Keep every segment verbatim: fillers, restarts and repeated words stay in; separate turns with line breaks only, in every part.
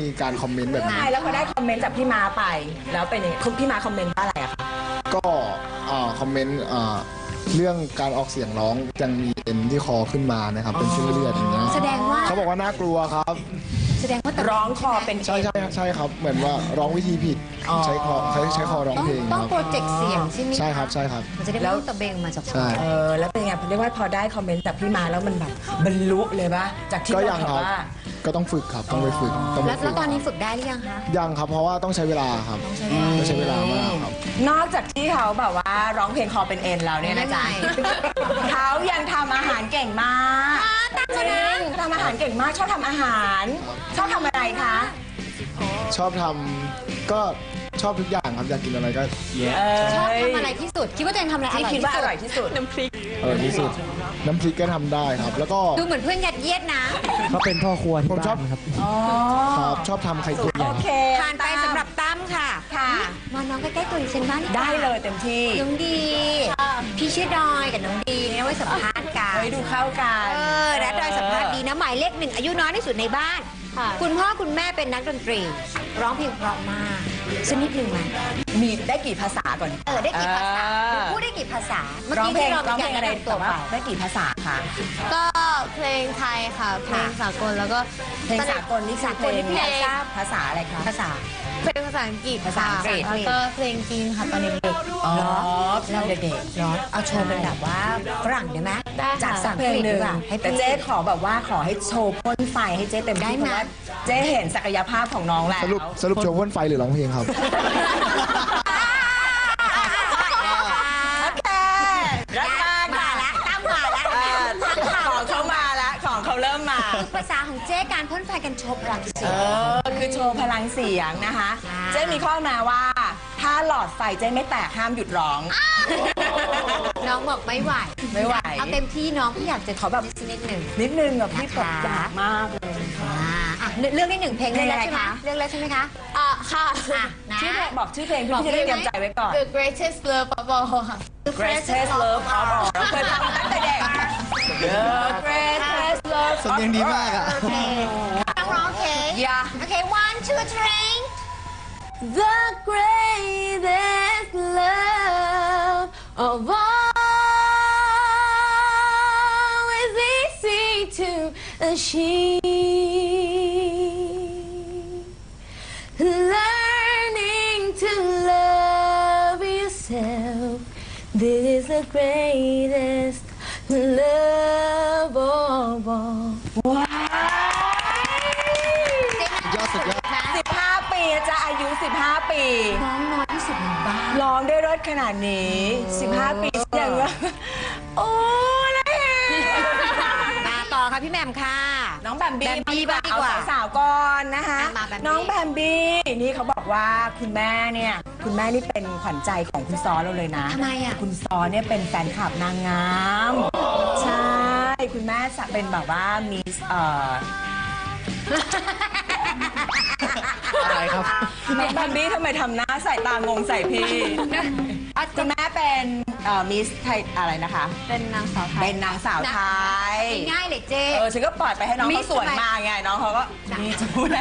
การคอมเมนต์แบบนี้
แล้วพอได้คอมเมนต์จากพี่ม้าไปแล้วเป็นยังไงพี่ม้าคอมเมนต์ว่าอะไรอะคะ
ก็คอมเมนต์เรื่องการออกเสียงร้องยังมีเอ็นที่คอขึ้นมานะครับเป็นเส้นเลือดอย่างเงี้ย
แสดงว่า
เขาบอกว่าน่ากลัวครับ
แสดงว่า
ร้องคอเป็น
ใช่ใช่ใช่ครับเหมือนว่าร้องวิธีผิดใช้คอใช้ใช้คอร้องเพลง
ต้องโปรเจกต์เสียงใช่ไหม
ใช่ครับใช่ครับ
มันจะได้ไม่ต้องตะเบงมาจาก
ใช่
เออแล้วเป็นไงเรียกว่าพอได้คอมเมนต์จากพี่ม้าแล้วมันแบบบรรลุเลยปะจากที่เราบอกว่า
ก็ต้องฝึกครับต้องไปฝึก
แล้วตอนนี้ฝึกได้หรือยังคะ
ยังครับเพราะว่าต้องใช้เวลาครับต้องใช้เวลามากครับ
นอกจากที่เขาแบบว่าร้องเพลงคอเป็นเอ็นแล้วเนี่ยนะจ๊ะเขายังทำอาหารเก่งมากจริงทำอาหารเก่งมากชอบทำอาหารชอบทำอะไรคะ
ชอบทำก็ชอบทุกอย่างครับอยากกินอะไรก็
ชอบทำอะไรที่สุดคิดว่าตัวเองทำอะไร
ที่คิดว่าอร่อยที่สุดน้ำพริก
อร่อยที่สุดน้ำพริกก็ทำได้ครับแล้วก็
ดูเหมือนเพื่อนยัดเยียดนะ
เขาเป็นพ่อครัวที่บ้านครับ
ครับชอบทำไข่ตุ๋น
โอเค
ผ่านไปสำหรับตั้มค่ะ
ค่ะ
มาน้องใกล้ๆตัวดิฉันบ้าง
ได้เลยเต็มที่
น้องดีพี่ชื่อดอยกับน้องดีเนี่ยไว้สัมภาษณ์กัน
ไว้ดูเข้ากัน
เออและดอยสัมภาษณ์ดีนะหมายเลขหนึ่งอายุน้อยที่สุดในบ้านคุณพ่อคุณแม่เป็นนักดนตรีร้องเพลงเพราะมากสักนิดหนึ่งไหม
มีได้กี่ภาษาก่อน
เออได้กี่ภาษาพูดได้กี่ภาษาเมื่อกี้
ที่เราร้องเพลงอะไรตัวว่าได้กี่ภาษาคะ
ก็เพลงไทยค่ะเพลงสากลแล้วก็
เพลงสากลนี่สากลที่พี่ทราบภาษาอะไรคะ
ภาษา
เพลงภาษาอังกฤษ
ภาษาอังกฤษ
แล้วก็เพลงจีนค่ะตอนเด็ก
ๆอ๋อเราเด็ก
ๆเนาะเอาโชว์เป็นแบบว่าฝรั่งได้ไหม
จากสักเพลงหนึ่งแต่เจ๊ขอแบบว่าขอให้โชว์พ่นไฟให้เจ๊เต็มที่เพราะว่าเจ๊เห็นศักยภาพของน้องแล้ว
สรุปสรุปโชว์พ่นไฟหรือร้องเพลงครับ
โอเครักมาก
มาละตั้มมาละ
ของเขามาละของเขาเริ่มมา
คือภาษาของเจ๊การพ่นไฟกันโชว์พลังเสียง
เออคือโชว์พลังเสียงนะคะเจ๊มีข้อมาว่าถ้าหลอดไฟเจ๊ไม่แตกห้ามหยุดร้อง
น้องบอกไม่ไหว
ไม่ไหว
เอาเต็มที่น้องพี่อยากจะขอแบบนิดหนึ่ง
นิดนึงแบบพี่ปรับยากมากเลย
เรื่องที่หนึ่งเพลงเรื่องแรกใช่ไหมเรื่องแรกใช่ไหมคะ
อ่ะค่ะ
ชื่อเพลงบอกชื่อเพลงพี่จะได้เตรียมใจไว้ก่อน
The Greatest Love of All ค่ะ
The Greatest Love of All เราเคยฟังตั้งแต่เด็ก The Greatest Love
สำเนียงดีมากอ่ะ
ต้องร้องเพลง
Yeah
โอเค one two three
The greatest love of all is easy to achieve. Learning to love yourself, this is the greatest love of all.
ว้าวสิบห้าปีจะอายุสิบห้าปี
น้องน้อยที่สุดในบ้าน
ร้องได้รสขนาดนี้สิบห้าปีอย่างเงี้ยโอ้ย
มาต่อค่ะพี่แหม่มค่ะ
น้องแบมบี้บ้างดีกว่าสาวก่อนนะคะน้องแบมบี้นี่เขาบอกว่าคุณแม่เนี่ยคุณแม่นี่เป็นขวัญใจของคุณซอเราเลยนะ
ทำไมอ่ะ
คุณซอเนี่ยเป็นแฟนคลับนางงามใช่คุณแม่เป็นแบบว่ามิสเอ่อ
อะไรครับ
น้องแบมบี้ทำไมทำหน้าใส่ตางงใส่พี่คุณแม่เป็นมิสไทยอะไรนะคะ
เป็นนางสาวไทย
เป็นนางสาวไทย
ง่ายเลยเจ๊
เออฉันก็ปล่อยไปให้น้องเขาสวยมาไงน้องเขาก็มีจูเลย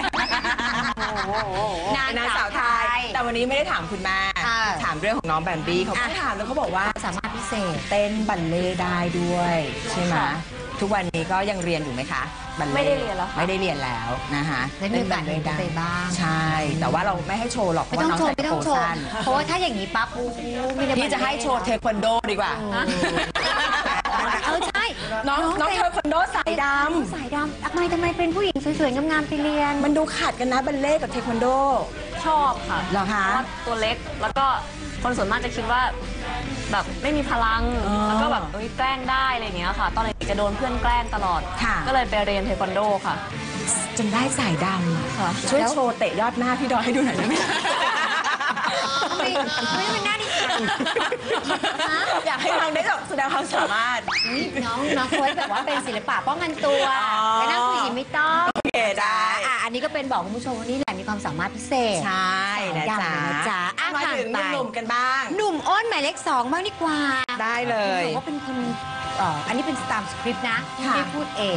นางสาวไทยแต่วันนี้ไม่ได้ถามคุณแม่ถามเรื่องของน้องแบมบี้เขาไม่ถามแล้วเขาบอกว่า
สามารถพิเศษ
เต้นบัลเล่ได้ด้วยใช่ไหมทุกวันนี้ก็ยังเรียนอยู่ไหมคะ
ไม่ได้เรียนแล้ว
ไม่ได้เรียนแล้วนะคะ
เล่นบัลเล่ได้บ้าง
ใช่แต่ว่าเราไม่ให้โชว์หรอกเพราะว่าน้องใส่กระโปรงสั้น
เพราะว่าถ้าอย่างนี้ปั๊บ
พี่จะให้โชว์เทควันโดดีกว่า
เออใช่
น้องน้องเทควันโดสายด
ำสายดำทำไมทำไมเป็นผู้หญิงสวยๆงามๆไปเรียน
มันดูขาดกันนะบัลเล่กับเทควันโด
ชอบค่ะ
เหรอคะ
ตัวเล็กแล้วก็คนส่วนมากจะคิดว่าแบบไม่มีพลังแล้วก็แบบแกล้งได้อะไรอย่างเงี้ยค่ะตอนเด็กจะโดนเพื่อนแกล้งตลอดก็เลยไปเรียนเทควันโดค่ะ
จนได้สายดำค่ะช่วยโชว์เตะยอดหน้าพี่ดอยให้ดูหน่อยได้ไหม
ไม่ไม่เป็นหน้าดิฉัน
อยากให้น้องได้แบบแสดงความสามารถ
น้องน้องโค้ชแบบว่าเป็นศิลปะป้องกันตัวแต่นั่งคุยไม่ต้อง
โอเคได้
อ่ะอันนี้ก็เป็นบอกคุณผู้ชมว่านี่แหละมีความสามารถพิเศษ
ใช่นะจ๊ะ
นะจ๊ะ
มาถึงหนุ่มกันบ้าง
หนุ่มอ้นหมายเลขสองบ้างดีกว่า
ได้เลย
ว่าเป็นคนอันนี้เป็นตามสคริปต์นะที่พูดเอง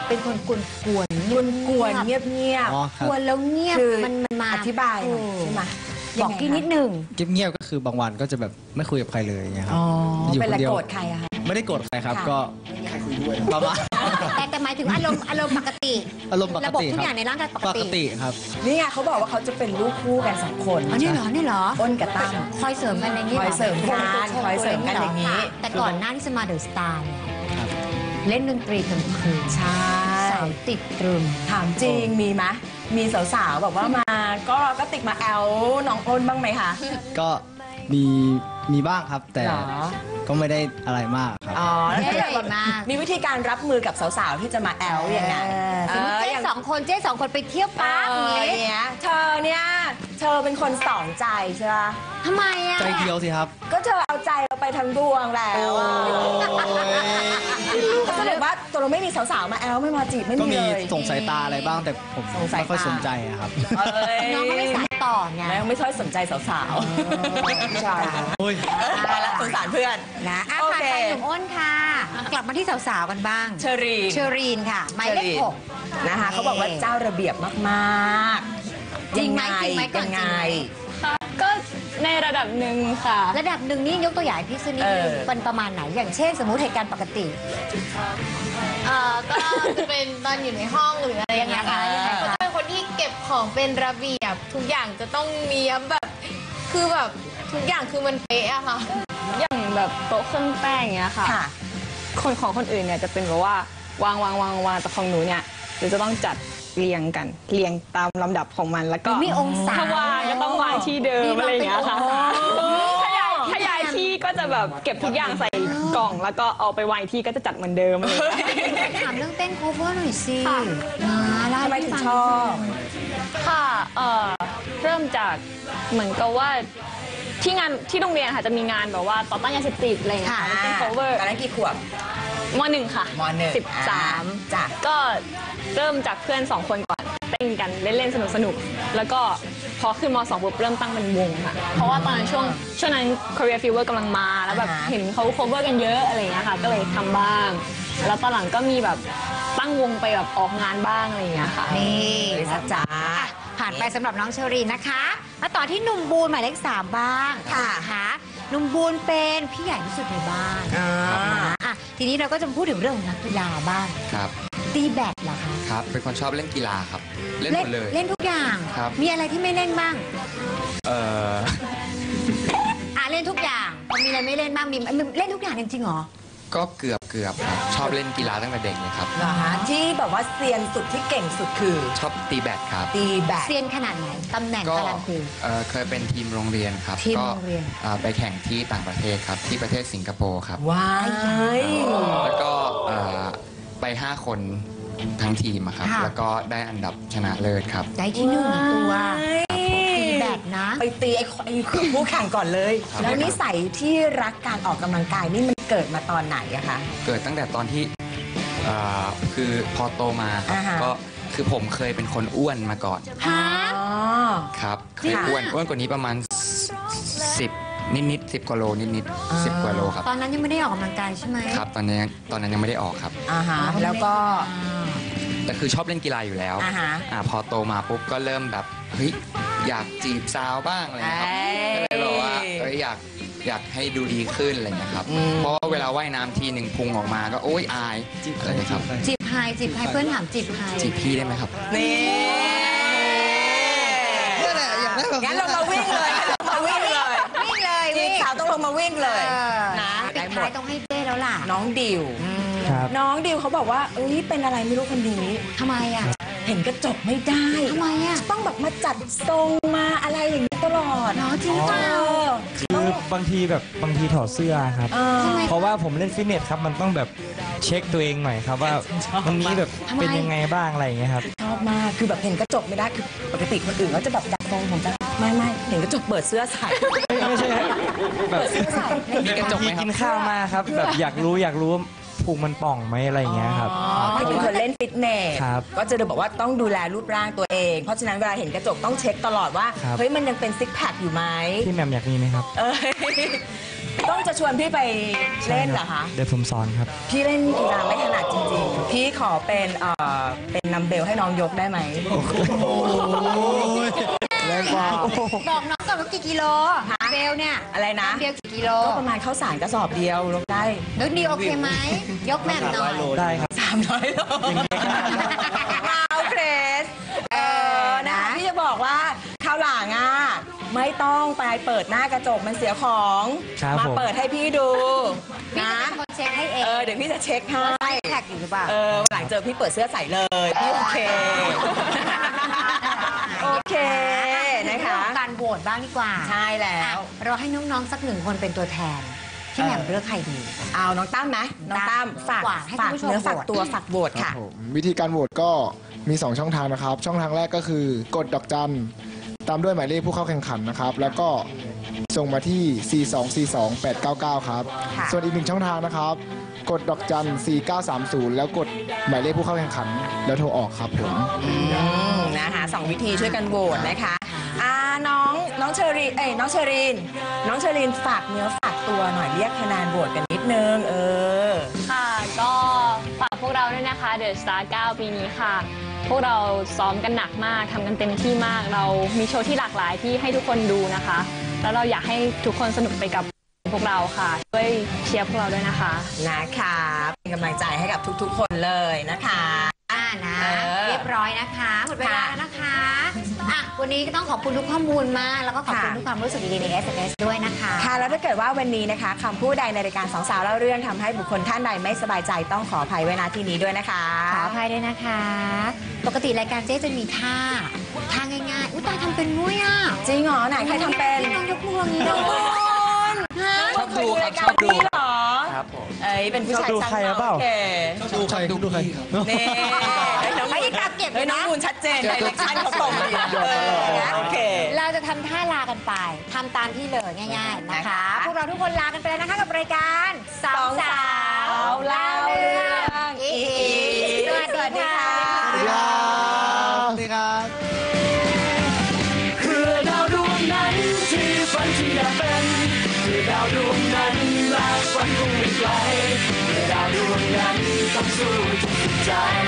เป็นคนกวนกวน
กวนกวนๆเงียบเงียบ
อ๋อค
ก
รับ
วนแล้วเงียบ
คือ
มันมันมา
อธิบายหน่อย
โ
ใช่ไหม
บอกกี้นิดหนึ่ง
เงียบๆก็คือบางวันก็จะแบบไม่คุยกับใครเลยอย่างเงี้ยครับ
อ๋อ
อยู่
เป็น
ค
อะไร
นเดียว
โกรธใครอะคะ
ไม่ได้โกรธใครครับ
ค่ะ
ก็ประมาณ
แต่แต่หมายถึงอารมณ์อารมณ์ปกติ
อารมณ์ปก
ระบบ
ติ
ทุก
ค
อ
รั
ย่างในร่างกายปก
ปก
ติ
ติครับ
นี่ไงเขาบอกว่าเขาจะเป็นลูกคู่กันสองคน
อ๋อนี่เหรอนี่เหรอ
อ้นกับตั้ม
คอยเสริมกันในนี้ห
คอยเสริมกันคอยเสริมกันอย่างนี้
แต่ก่อนหน้าที่จะมาเดอะสตาร์เนี่ย
ครับ
เล่นดนตรีกลางคืน
ใช่
สาวติดตรึม
ถามจริงมีไหมมีสาวๆแบบว่ามาก็ก็ติดมาแอลน้องอ้นบ้างไหมคะ
ก็มีมีบ้างครับ แต่
เหรอ
ก็ไม่ได้อะไรมากครับ
อ๋อแล้ว
ใหญ่
แบบ
มาก
มีวิธีการรับมือกับสาวๆที่จะมาแอลอย่างไง
สมมติเจ๊
อย่าง
สองคนเจ๊สองคนไปเที่ยว
เอ
ปั๊บ
อ
อย่าง
อย่าง
งี้
เงี้ยเธอเนี่ยเธอเป็นคนสองใจใช่ไหม
ทำไมอ่ะ
ใจเดียวสิครับ
ก็เธอเอาใจเราไปทั้งดวงแล้วอะแสดงว่าตัวเราไม่มีสาวๆมาแอลไม่มาจีบไม่
ก็
มี
มี
เลย
ส่งสายตาอะไรบ้างแต่ผม
ส่งสาย
ไม่ค่อย
ตา
สนใจอะครับ
เอ้ย
น้องก็ไม่สายต่อไง
แม่งไม่ค่อยสนใจสาวๆใช่
โอ้ย
ตายละสงสารเพื่อน
นะอ่ะ
โอ
ผ่าน
เค
ไปหนุ่มอ้นค่ะ กลับมาที่สาวๆกันบ้าง
เชอรีน
เชอรีนค่ะหมายเลขหก
นะคะเขาบอกว่าเจ้าระเบียบมากๆ
จริงไหมจริงไหมก่อน
ยังไง
จริงไหม
ค่ะก็ในระดับหนึ่งค่ะ
ระดับหนึ่งนี่ยกตัวอย่างให้พี่สักนิดนึง
เออ
เป็นประมาณไหน อย่างเช่น สมมุติเหตุการณ์ปกติ
เอ่อก็จะเป็นตอนอยู่ในห้องหรืออะไรอย่างเงี้ยค่ะ
ยังไงคะ
ก็จะเป็นคนที่เก็บของเป็นระเบียบทุกอย่างจะต้องเนียบแบบคือแบบทุกอย่างคือมันเป๊ะอะค่ะ
อย่างแบบโต๊ะเครื่องแป้งอย่างเงี้ยค่ะ
ค่ะ
คนของคนอื่นเนี่ยจะเป็นแบบว่าวางวางวางวางแต่ของหนูเนี่ยหนูจะต้องจัดเรียงกันเรียงตามลำดับของมันแล้วก็
มีองศา
ถ้าวางก็ต้องวางที่เดิมอะไรอย่างเงี้ยค่ะ
อ๋อ
ถ้าย้ายถ้าย้ายที่ก็จะแบบเก็บทุกอย่างใส่กล่อง แล้วก็เอาไปไว้ที่ก็จะจัดเหมือนเดิมอะไรอย่างเงี้ย
ถามเรื่องเต้น cover หน่อยสิ
ค่ะ
นะเล่า
ทำไม
ให้
ถึง
ฟั
ชอบ
ค่ะเอ่อเริ่มจากเหมือนกับว่าที่งานที่โรงเรียนค่ะจะมีงานแบบว่าต่อต้านยาเสพติดอะไรอย่างเงี้ย
ค่ะ
ค่ะเป็น cover
ตอนนั้นกี่ขวบ
มหนึ่งค่ะ
มหนึ่ง
สิบสาม
จ้ะ
ก็เริ่มจากเพื่อนสองคนก่อนเต้นกันเล่นๆสนุกๆแล้วก็พอขึ้นมสองปุ๊บเริ่มตั้งเป็นวงค่ะ เพราะว่าตอนนั้นช่วงช่วงนั้น Korea Fever กำลังมาแล้วแบบ
อ่าฮะ
เห็นเขา cover กันเยอะอะไรอย่างเงี้ยค่ะ ก็เลยทำบ้าง แล้วตอนหลังก็มีแบบตั้งวงไปแบบออกงานบ้างอะไรอย่างเงี้ยค่ะ
นี่
ลิซ่าจ๋า
อ่ะผ่านไปสำหรับน้องเชอรีนนะคะมาต่อที่หนุ่มบูนหมายเลขสามบ้าง
ค่ะ
นะคะหนุ่มบูนเป็นพี่ใหญ่ที่สุดในบ้าน
อ่า
นะอ่ะทีนี้เราก็จะพูดถึงเรื่องของนักกีฬาบ้าง
ครับ
ตีแบดเหรอคะ
ครับ เป็นคนชอบเล่นกีฬาครับ เล่นหมดเลย
เล่นทุกอย่าง
ครับ
มีอะไรที่ไม่เล่นบ้าง
เอ่อ
อ่ะเล่นทุกอย่างพอมีอะไรไม่เล่นบ้างมีเล่นทุกอย่างจริงๆเหรอ
ก็เกือบเกือบครับ ชอบเล่นกีฬาตั้งแต่เด็กเลยครับ
เหรอฮะที่แบบว่าเซียนสุดที่เก่งสุดคือ
ชอบตีแบดครับ
ตีแบด
เซียนขนาดไหนตำแหน่ง
ก็
การันตี
เอ่อเคยเป็นทีมโรงเรียนครับ
ทีม
ก็
โรงเรียน
เอ่อไปแข่งที่ต่างประเทศครับ ที่ประเทศสิงคโปร์ครับ
ว้าย
แล้วก็เอ่อไปห้าคนทั้งทีมอะครับ แล้วก็ได้อันดับชนะเลิศครับ
ได้ที่หนึ่งตัวตีแบดนะ
ไปตีไอ้ไอ้ผู้แข่งก่อนเลย
ครับ
แล้วนิสัยที่รักการออกกำลังกายนี่มันเกิดมาตอนไหนอะคะ
เกิดตั้งแต่ตอนที่เอ่อคือพอโตมาครับ
อ่าฮะ
ก็คือผมเคยเป็นคนอ้วนมาก่อน
ฮะ
อ๋อ
ครับ เค
จริ
ย
งอะ
อ้วนอ้วนกว่านี้ประมาณสิบนิดนิดสิบกว่าโลนิดนิดสิบกว่าโลครับ
ตอนนั้นยังไม่ได้ออกกำลังกายใช่ไหม
ครับ ตอนนี้ตอนนั้นยังไม่ได้ออกครับ
อ่าฮะแล้วก็
แต่คือชอบเล่นกีฬาอยู่แล้ว
อ่าฮะ
อ่าพอโตมาปุ๊บก็เริ่มแบบเฮ้ยอยากจีบสาวบ้างอะไรเงี้ยครับ
เอ้ย
ก็เลยบอกว่าเอ้ยอยากอยากให้ดูดีขึ้นอะไรเงี้ยครับ
อืม
เพราะว่าเวลาว่ายน้ำทีหนึ่งพุงออกมาก็โอ๊ยอายอะไรเงี้ยครับ
จีบไฮจีบไฮเพื่อนถามจีบไฮ
จีบพี่ได้ไหมครับ
นี่
นี่แหละอยากได้แบบ
งั้นเรามาวิ่งเลยงั้นเรามาวิ่งเลย
วิ่งเลย
จี
วิ่
บ
ง
สาวต้องลงมาวิ่งเลย
เออ
นะ
ปิ
ได้
ด
หม
ท้าย
ด
ต้องให้เจ้แล้วล่ะ
น้องดิว
ครับ
น้องดิวเขาบอกว่าเอ้ยเป็นอะไรไม่รู้คนนี้
ทำไมอ่ะ
เห็นกระจกไม่ได้
ทำไมอ่ะ
ต้องแบบมาจัดทรงมาอะไรอย่างนี้ตลอด
เนาะจริงเปล่า
เออ
คือบางทีแบบบางทีถอดเสื้อครับ
เออ
ทำไม
เพราะว่าผมเล่นฟิตเนสครับมันต้องแบบเช็คตัวเองหน่อยครับว่าวันนี้แบบ
ทำไม
เป็นยังไงบ้างอะไรอย่างเงี้ยครับ
ชอบมากคือแบบเห็นกระจกไม่ได้คือปกติคนอื่นก็จะแบบดัดทรงผมจะไม่ไม่เห็นกระจกเปิดเสื้อใส่
ไม่ใช่ครับแบบ
เปิดเสื้อใส่
มีกระจกไหม
ที
ครับ
กินข้าวมาครับ แบบอยากรู้อยากรู้ว่าพุงมันป่องไหมอะไรอย่างเงี้ยครับ
อ๋อไม่เป็นคนเล่นฟิตเนส
ครับ
ก็จะบอกว่าต้องดูแลรูปร่างตัวเอง เพราะฉะนั้นเวลาเห็นกระจกต้องเช็คตลอดว่า
ครับ
เฮ้ยมันยังเป็นซิกแพคอยู่ไหม
พี่แหม่มอยากมีไหมครับ
เอ้ยต้องจะชวนพี่ไปเล่นเหรอคะ
เดี๋ยวผมสอนครับ
พี่เล่นกีฬาไม่ถนัดจริงๆ พี่ขอเป็นเอ่อเป็นนัมเบลให้น้องยกได้ไหม
แรงกว่า
บอกน้องก่อนว่ากี่กิโลเบลเนี่ย
อะไรนะ
เบลกี่กิโล
ก็ประมาณข้าวสารกระสอบเดียวยกได้
นึกดีโอเคไหม ยกแม่มหน่อย
ได้ครับ
สามร้อยโลว้าวเพรสเออนะคะพี่จะบอกว่าคราวหลังอ่ะไม่ต้องไปเปิดหน้ากระจกมันเสียของ
ครับ
มา
ผม
เปิดให้พี่ดู
พี่
นะ
จะเป็นคนเช็คให้เอ
เอง อเดี๋ยวพี่จะเช็คให้
ว่าไซส์แท็กอยู่หรือเปล่า
เออวันหลังเจอพี่เปิดเสื้อใส่เลยพี่โอเค โอเคนะคะ
เรื่องการโหวตบ้างดีกว่า
ใช่แล้ว
อ่ะเราให้น้องๆสักหนึ่งคนเป็นตัวแทนพี่แหม่มเลือกใครดี
เอาน้องตั้มไหมน้องตั้มฝาก
ฝากให้
ฝาก
คุณผู้ชม
เนื้อฝาก
โหวต
ตัวฝากโหวต
ครั
ค่ะ
บผมวิธีการโหวตก็มี สอง ช่องทางนะครับ ช่องทางแรกก็คือกดดอกจันตามด้วยหมายเลขผู้เข้าแข่งขันนะครับ แล้วก็ส่งมาที่ สี่ สอง สี่ สอง แปด เก้า เก้า ครับ
ค่ะ
ส่วนอีกหนึ่งช่องทางนะครับ กดดอกจัน สี่ เก้า สาม ศูนย์ แล้วกดหมายเลขผู้เข้าแข่งขัน แล้วโทรออกครับผม
อืมนะคะสองวิธีช่วยกันโหวตนะคะอ่าน้องน้องเชอรีนเอ้ยน้องเชอรีน น้องเชอรีนฝากเนื้อฝากตัวหน่อยเรียกคะแนนโหวตกันนิดนึงเออ
ค่ะ ก็ฝากพวกเราด้วยนะคะ The Star เก้า ปีนี้ค่ะ พวกเราซ้อมกันหนักมากทำกันเต็มที่มาก เรามีโชว์ที่หลากหลายที่ให้ทุกคนดูนะคะ แล้วเราอยากให้ทุกคนสนุกไปกับพวกเราค่ะช่วยเชียร์พวกเราด้วยนะคะ
นะคะเป็นกำลังใจให้กับทุกๆ คนเลยนะคะ
อ่านะ
เออ
เรียบร้อยนะคะหมดเวลา
ค่ะ
แล้วนะคะอ่ะวันนี้ก็ต้องขอบคุณทุกข้อมูลมาก แล้วก็ขอบคุณ
ค่ะ
ทุกความรู้สึกดีๆใน เอส เอ็ม เอส ด้วยนะคะ
ค่ะแล้วถ้าเกิดว่าวันนี้นะคะคำพูดใดในรายการสองสาวเล่าเรื่องทำให้บุคคลท่านใดไม่สบายใจต้องขออภัยไว้ณที่นี้ด้วยนะคะ
ขออภัยด้วยนะคะ ปกติรายการเจ๊จะมีท่า ท่าง่ายๆ อุ้ยตายทำเป็นด้วยอ่ะ
จริงเหรอไหนใครทำเป็น
น้องยกมืออย่างนี้
น้
ด้
อง
วย
ชอบดูครับชอบดูเหรอ
ครับผม
เอ้ยเป็นผู้ชาย
ชอบดู
ช่าง
ใครหรือเปล่า
โอเค
ดูใครดูใคร
นี่ไอ้น้อง
ไอ้ตามเก็บ
ไอ้
เลย
น้อง
นะ
มูลชัดเจนไดเรกชันเขาตรงดีเออนะโอเค
เราจะทำท่าลากันไปทำตามที่เลยง่าย ๆนะคะ
นะคะ
พวกเราทุกคนลากันไปแล้วนะคะกับรายการสองสาว
เล่าเรื่องอีก
สวัสดีค่ะ
สวัสดีครับ
สวัสดีครับ
เพื่อดาวดวงนั้นที่ฝันที่อยากเป็นเพื่อดาวดวงนั้นและฝันคงไม่ไกลเพื่อดาวดวงนั้นต้องสู้จนสุดใจ